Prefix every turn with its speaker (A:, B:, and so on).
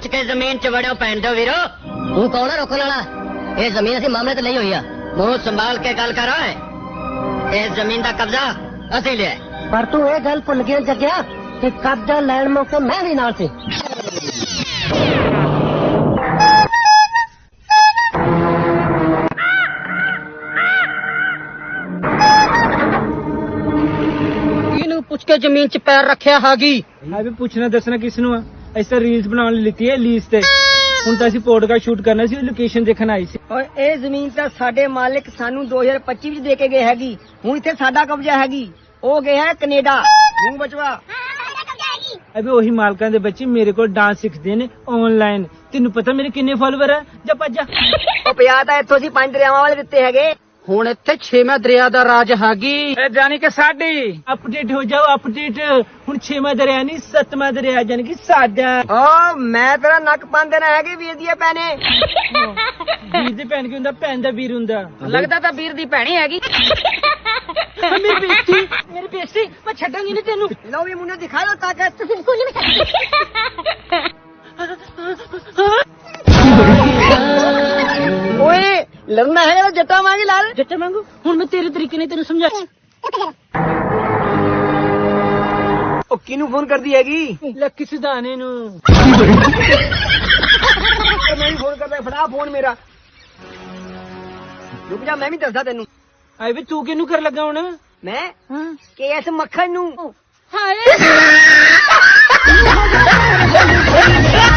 A: के जमीन च वड़ो पैन दो वीरो। तू कौन है रोकने वाला? ये जमीन असी मामले तो नहीं हुई है। मुंह संभाल के गल करो। इस जमीन का कब्जा असी लिया पर तू ये गल भुल गया जगया कि कब्जा लैन मौके मैं भी नाल सी। पुछ के जमीन च पैर रखिया हागी।
B: मैं भी पूछना दसना किसनू आ? ऐसा रील्स बनाने लेती है लीज ते। ਹੁਣ ਤਾਂ ਅਸੀਂ ਪੋਡਕਾਸਟ ਸ਼ੂਟ ਕਰਨਾ ਸੀ, ਲੋਕੇਸ਼ਨ ਦੇਖਣ ਆਈ ਸੀ।
A: ਔਰ ਇਹ ਜ਼ਮੀਨ ਤਾਂ ਸਾਡੇ ਮਾਲਕ ਸਾਨੂੰ 2025 ਵਿੱਚ ਦੇ ਕੇ ਗਏ ਹੈਗੀ। ਹੁਣ ਇੱਥੇ ਸਾਡਾ ਕਬਜ਼ਾ ਹੈਗੀ। ਉਹ ਗਏ ਹੈ ਕੈਨੇਡਾ। ਮੂੰਹ ਬਚਵਾ
B: ਅਬੇ ਉਹੀ ਮਾਲਕਾਂ ਦੇ ਬੱਚੇ ਮੇਰੇ ਕੋਲ ਡਾਂਸ ਸਿੱਖਦੇ ਨੇ ਆਨਲਾਈਨ। ਤੈਨੂੰ ਪਤਾ ਮੇਰੇ ਕਿੰਨੇ ਫਾਲੋਅਰ ਆ? ਜਾ ਭੱਜ।
A: ਉਹ ਪਿਆ ਤਾਂ ਇੱਥੋਂ ਅਸੀਂ 5 ਦਰਿਆਵਾਂ ਵਾਲੇ ਦਿੱਤੇ ਹੈਗੇ। ਹੁਣ ਇੱਥੇ 6ਵਾਂ ਦਰਿਆ ਦਾ ਰਾਜ ਹੈਗੀ।
B: ਜਾਨੀ ਕਿ ਸਾਡੀ ਅਪਡੇਟ ਹੋ ਜਾਓ ਅਪਡੇਟ। ਹੁਣ 6ਵਾਂ ਦਰਿਆ ਨਹੀਂ 7ਵਾਂ ਦਰਿਆ ਜਾਨੀ ਕਿ ਸਾਡਾ।
A: ਓ ਮੈਂ ਤੇਰਾ ਨੱਕ ਪੰਨ ਦੇਣਾ ਹੈਗੇ ਵੀਰ ਦੀ ਭੈਣੇ।
B: ਵੀਰ ਦੇ ਭੈਣ ਕੀ ਹੁੰਦਾ? ਭੈਣ ਦਾ ਵੀਰ ਹੁੰਦਾ।
A: ਲੱਗਦਾ ਤਾਂ ਵੀਰ ਦੀ ਭੈਣੀ ਹੈਗੀ।
B: ਮੇਰੀ ਬੇਇੱਜ਼ਤੀ ਮੈਂ ਛੱਡਾਂਗੀ ਨਹੀਂ ਤੈਨੂੰ।
A: ਲਓ ਵੀ ਮੁੰਡੇ ਦਿਖਾ ਲੋ ਤਾਕਤ। ਓਏ ਲੜਨਾ ਹੈਗਾ ਜੱਟਾ ਵਾਂਗੀ ਲਾਲ।
B: ਜੱਟਾ ਵਾਂਗੂ ਹੁਣ ਮੈਂ ਤੇਰੇ ਤਰੀਕੇ ਨਾਲ ਤੈਨੂੰ ਸਮਝਾ।
A: ਉਹ ਕਿਹਨੂੰ ਫੋਨ ਕਰਦੀ ਹੈਗੀ?
B: ਲੱਕੀ ਸਿਧਾਣੇ ਨੂੰ।
A: ਮੈਂ ਵੀ ਫੋਨ ਕਰਦਾ। ਫੜਾ ਫੋਨ ਮੇਰਾ। ਰੁਕ ਜਾ ਮੈਂ ਵੀ ਦੱਸਦਾ ਤੈਨੂੰ।
B: ਆਏ ਵੀ ਤੂੰ ਕਿਹਨੂੰ ਕਰ ਲੱਗਾ ਹੁਣ?
A: ਮੈਂ ਕੇਐਸ ਮੱਖਣ ਨੂੰ।
B: ਹਾਏ